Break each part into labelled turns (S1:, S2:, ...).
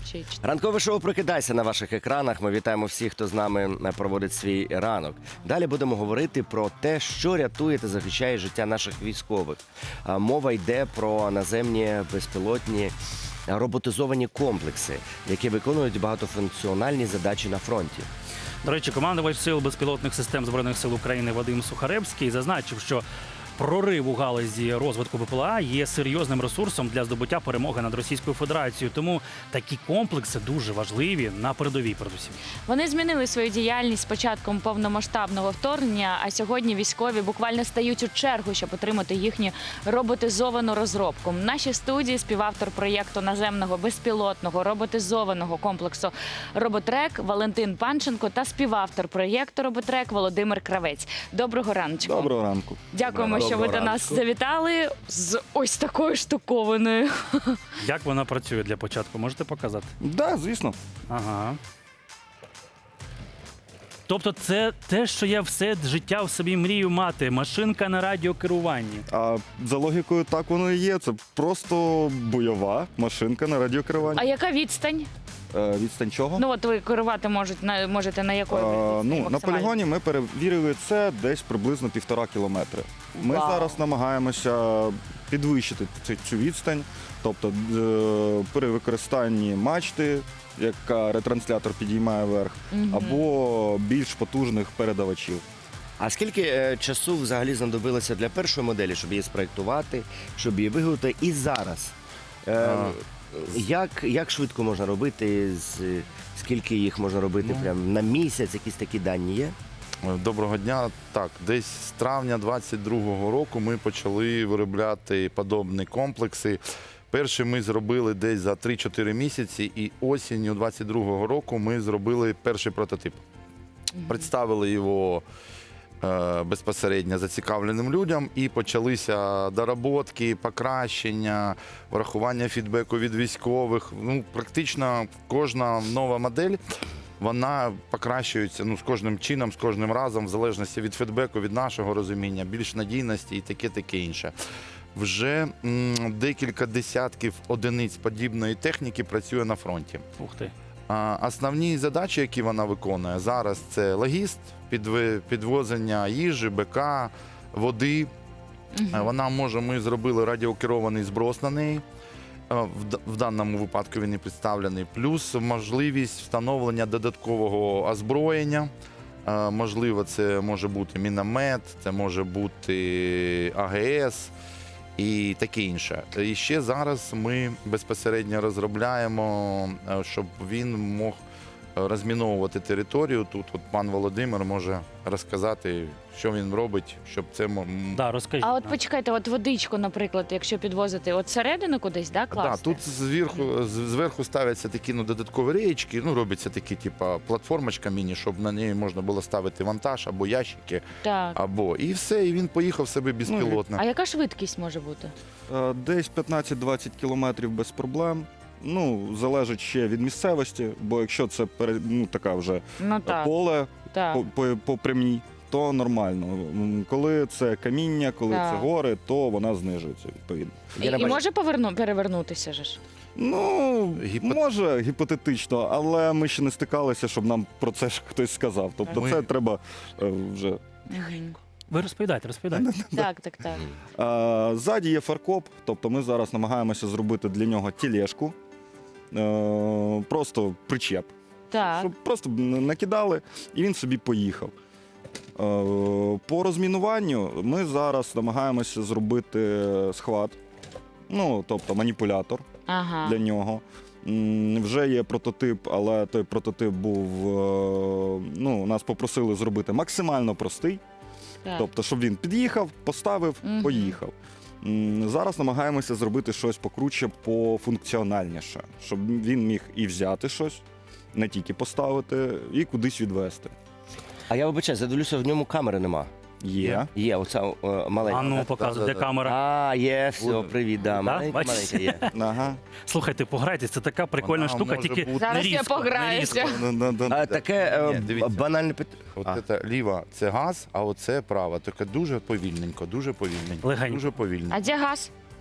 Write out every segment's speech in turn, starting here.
S1: Чи...
S2: Ранкове шоу «Прокидайся» на ваших екранах. Ми вітаємо всіх, хто з нами проводить свій ранок. Далі будемо говорити про те, що рятує та захищає життя наших військових. Мова йде про наземні безпілотні роботизовані комплекси, які виконують багатофункціональні задачі на фронті.
S3: До речі, командувач Сил безпілотних систем Збройних сил України Вадим Сухаревський зазначив, що прорив у галузі розвитку БПЛА є серйозним ресурсом для здобуття перемоги над Російською Федерацією. Тому такі комплекси дуже важливі на передовій передусім.
S1: Вони змінили свою діяльність з початком повномасштабного вторгнення, а сьогодні військові буквально стають у чергу, щоб отримати їхню роботизовану розробку. В нашій студії співавтор проєкту наземного безпілотного роботизованого комплексу «Роботрек» Валентин Панченко та співавтор проєкту «Роботрек» Володимир Кравець. Доброго раночку.
S4: Доброго ранку.
S1: Дякуємо, що ви до нас завітали з ось такою штукованою.
S3: Як вона працює для початку? Можете показати?
S4: Да, звісно.
S3: Ага. Тобто це те, що я все життя в собі мрію мати. Машинка на радіокеруванні.
S4: А за логікою так воно і є. Це просто бойова машинка на радіокеруванні.
S1: А яка відстань?
S4: Відстань чого?
S1: Ну от ви керувати можете на якої відстані
S4: На
S1: максимально?
S4: полігоні ми перевірили це десь приблизно 1,5 кілометри. Ми
S1: Вау.
S4: зараз намагаємося підвищити цю відстань, тобто при використанні мачти, яка ретранслятор підіймає вверх, або більш потужних передавачів.
S2: А скільки часу взагалі знадобилося для першої моделі, щоб її спроєктувати, щоб її виготовити? І зараз? Як швидко можна робити? Скільки їх можна робити? Прям на місяць? Якісь такі дані є?
S5: Доброго дня. Так, десь з травня 22-го року ми почали виробляти подобні комплекси. Перший ми зробили десь за 3-4 місяці, і осінню 22-го року ми зробили перший прототип. Представили його безпосередньо зацікавленим людям, і почалися доработки, покращення, врахування фідбеку від військових. Ну, практично кожна нова модель, вона покращується з кожним чином, з кожним разом, в залежності від фідбеку, від нашого розуміння, більш надійності і таке інше. Вже декілька десятків одиниць подібної техніки працює на фронті.
S3: Ух ти.
S5: Основні задачі, які вона виконує зараз, це логіст, підвозення їжі, БК, води. Ми зробили радіокерований зброс на неї. В даному випадку він і представлений. Плюс можливість встановлення додаткового озброєння. Можливо, це може бути міномет, це може бути АГС і таке інше. І ще зараз ми безпосередньо розробляємо, щоб він мог розміновувати територію. Тут пан Володимир може розказати, що він робить, щоб це...
S3: Да, розкажіть.
S1: А от почекайте, от водичку, наприклад, якщо підвозити от середину кудись, да, класти?
S5: Так, тут зверху ставляться такі додаткові реєчки, робиться такі, платформочка міні, щоб на неї можна було ставити вантаж або ящики,
S1: Так.
S5: і все, і він поїхав себе безпілотно.
S1: А яка швидкість може бути?
S4: Десь 15-20 кілометрів без проблем. Залежить ще від місцевості, бо якщо це така вже поле
S1: Так.
S4: по прямій, то нормально. Коли це каміння, коли
S1: Так.
S4: це гори, то вона знижується відповідно.
S1: І може перевернутися ж?
S4: Може гіпотетично, але ми ще не стикалися, щоб нам про це ж хтось сказав. Тобто це треба вже...
S3: Ви розповідайте.
S1: Так.
S4: Ззаді є фаркоп, тобто ми зараз намагаємося зробити для нього тележку, просто причеп,
S1: Так.
S4: щоб просто накидали і він собі поїхав. По розмінуванню ми зараз намагаємося зробити схват, тобто маніпулятор для нього. Вже є прототип, але той прототип був, нас попросили зробити максимально простий.
S1: Так.
S4: Тобто, щоб він під'їхав, поставив, поїхав. Зараз намагаємося зробити щось покруче, пофункціональніше, щоб він міг і взяти щось, не тільки поставити, і кудись відвести.
S2: А я вибачаюсь, задивлюся, в ньому камери нема.
S4: Є.
S2: Оця маленька.
S3: А ну,
S2: так?
S3: показуй, де камера.
S2: Є, все, привіт, да. Маленька є.
S4: Ага.
S3: Слухайте, пограйтесь, це така прикольна
S5: Вона
S3: штука,
S5: може
S3: тільки
S5: бути-
S1: Зараз
S3: не
S1: я
S3: різко, не
S1: пограюся.
S3: різко.
S2: Таке
S5: Ні, дивіться.
S2: банальне питання.
S5: Це ліва – це газ, а оце права. Таке дуже повільненько, дуже повільненько.
S3: Легенько.
S5: Дуже повільно.
S1: А де газ?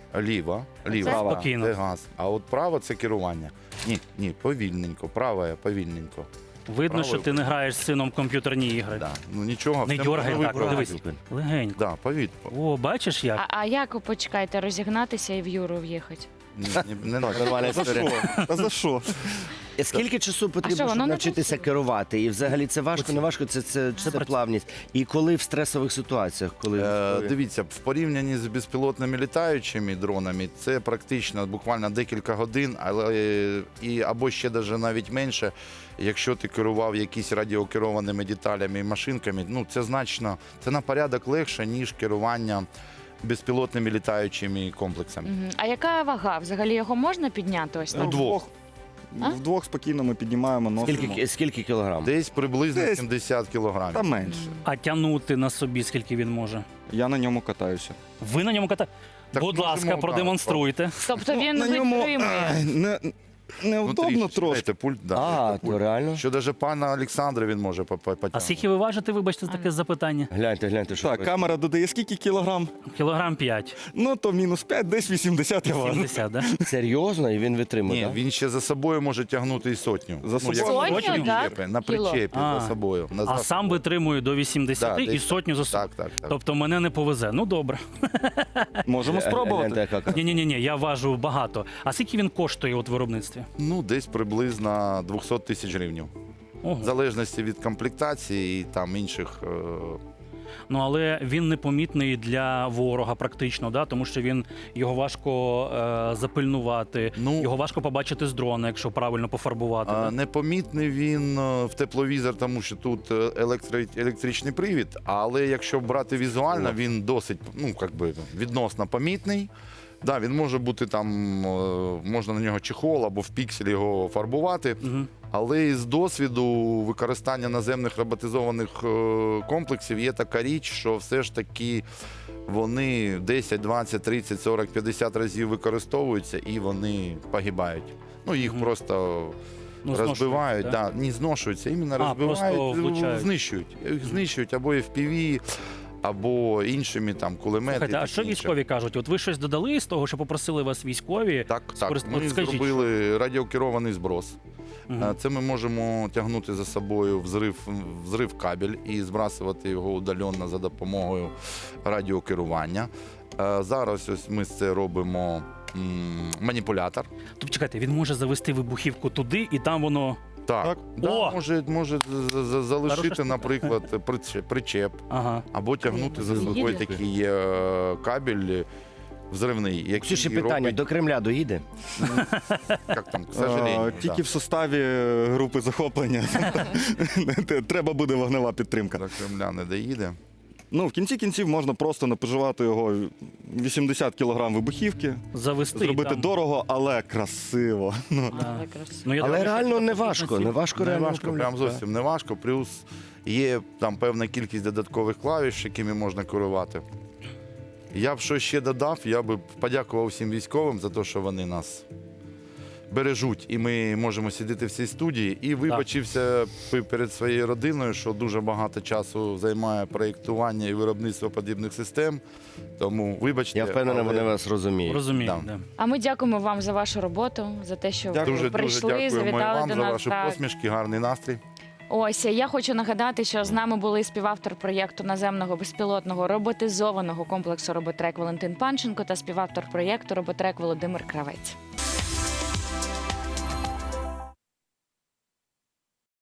S5: Ліва,
S3: Це спокійно.
S5: це газ. А от право це керування. Ні, повільненько, праве повільненько.
S3: Видно, що
S5: Правою.
S3: ти не граєш з сином в комп'ютерні ігри.
S5: Да. Ну нічого,
S3: Не
S5: все
S3: дьоргай
S5: можна
S3: так,
S5: вибрати.
S3: дивись. Легенько.
S5: Да, повільно.
S3: О, бачиш як?
S1: А як почекайте, розігнатися і в Юру в'їхати?
S5: Не надо.
S2: Нормальна
S4: За
S2: історія.
S4: що? А за що?
S2: Скільки часу потрібно,
S1: що, воно
S2: щоб
S1: не
S2: навчитися
S1: працює?
S2: керувати? І взагалі це важко, не важко, це плавність. І коли в стресових ситуаціях, коли
S5: Дивіться, в порівнянні з безпілотними літаючими дронами, це практично буквально декілька годин, але або ще навіть менше, якщо ти керував якісь радіокерованими деталями і машинками, ну це на порядок легше, ніж керування безпілотними літаючими комплексами.
S1: Мгм. А яка вага? Взагалі його можна підняти ось так?
S5: Вдвох.
S1: А?
S4: Вдвох спокійно ми піднімаємо, носимо.
S2: скільки кілограм?
S5: Десь приблизно
S4: Десь.
S5: 70 кілограмів.
S4: Та менше.
S3: А тягнути на собі, скільки він може?
S4: Я на ньому катаюся.
S3: Ви на ньому катаєте?
S5: Так
S3: Будь
S5: можемо,
S3: ласка,
S5: так.
S3: продемонструйте.
S1: Тобто він
S4: на ньому
S1: витримує.
S4: неудобно трошки.
S5: Знаєте, пульт, да.
S2: А, то реально?
S5: Що навіть пана Олександра він може потягнути.
S3: А скільки ви важите, вибачте, за таке запитання?
S2: Гляньте, що
S4: Так, камера додає скільки кілограм?
S3: Кілограм 5.
S4: Ну, то мінус 5, десь 80 я важу.
S3: 70, да?
S2: серйозно, і він витримує,
S5: Ні,
S2: так?
S5: він ще за собою може тягнути і сотню.
S4: За собою?
S5: якщо
S1: Сотню,
S5: на
S1: так?
S5: причепі, на
S1: Кіло.
S5: причепі
S3: А.
S5: за собою.
S3: А сам витримує до 80
S5: Да,
S3: і
S5: десь
S3: сотню за собою.
S5: Так.
S3: Тобто мене не повезе. Ну добре.
S4: Можемо спробувати.
S2: Гляньте, яка
S3: Ні, я важу багато. А скільки він коштує от в виробництві?
S5: Ну, десь приблизно 200 тисяч гривень.
S3: Ого.
S5: В залежності від комплектації і там інших.
S3: Ну але він непомітний для ворога практично, да? Тому що його важко запильнувати,
S5: Ну,
S3: його важко побачити з дрона, якщо правильно пофарбувати. Да?
S5: Непомітний він в тепловізор, тому що тут електричний привід, але якщо брати візуально, він досить відносно помітний. Да, він може бути там, можна на нього чехол або в пікселі його фарбувати.
S3: Угу.
S5: Але із досвіду використання наземних роботизованих комплексів є така річ, що все ж таки вони 10, 20, 30, 40, 50 разів використовуються і вони погибають. Ну, їх
S3: Мгм.
S5: просто розбивають,
S3: да?
S5: не зношуються, іменно
S3: А, просто
S5: розбивають,
S3: влучають.
S5: знищують. Їх знищують або FPV, або іншими там кулемети.
S3: Слухайте, а
S5: таке
S3: що
S5: інше.
S3: військові кажуть? От ви щось додали з того, що попросили вас військові?
S5: Так.
S3: От
S5: Ми
S3: скажіть,
S5: зробили радіокерований зброс.
S3: Мгм.
S5: Це ми можемо тягнути за собою взрив кабель і збрасувати його удаленно за допомогою радіокерування. Зараз ось ми це робимо маніпулятор.
S3: Тобто, чекайте, він може завести вибухівку туди, і там воно.
S5: Так,
S3: О!
S5: може залишити,
S3: штука.
S5: наприклад, причеп,
S3: Ага.
S5: або тягнути за
S1: Їде.
S5: собою такий кабель взривний, який
S2: Ксюші, питання,
S5: робить,
S2: до Кремля доїде?
S5: як там, к сожалению,
S4: Тільки
S5: да.
S4: в составі групи захоплення. Треба буде вогнева підтримка.
S5: До Кремля не доїде.
S4: Ну, в кінці кінців можна просто напоживати його 80 кілограм вибухівки,
S3: Завести.
S4: зробити
S3: там.
S4: дорого, але красиво. Ну,
S3: Да.
S1: Але красиво.
S3: Ну, я
S2: Але
S3: думаю,
S2: реально
S3: що
S2: не
S3: це
S2: важко, не важко
S5: Не
S2: реально.
S5: важко, прям
S2: управляти.
S5: зовсім не важко. Плюс є там певна кількість додаткових клавіш, якими можна керувати. Я б що ще додав, я би подякував всім військовим за те, що вони нас бережуть, і ми можемо сидіти в цій студії. І вибачився перед своєю родиною, що дуже багато часу займає проєктування і виробництво подібних систем. Тому вибачте.
S2: Я впевнений,
S5: але
S2: вони вас розуміють.
S3: Розумію.
S5: Да.
S3: Да.
S1: А ми дякуємо вам за вашу роботу, за те, що
S4: Дякую.
S1: ви
S5: Дуже
S1: прийшли,
S5: дякуємо і
S1: завітали
S5: вам
S1: до
S5: за
S1: нас.
S5: ваші
S1: Так.
S5: посмішки, гарний настрій.
S1: Ось я хочу нагадати, що з нами були співавтор проєкту наземного безпілотного роботизованого комплексу Роботрек Валентин Панченко та співавтор проєкту Роботрек Володимир Кравець.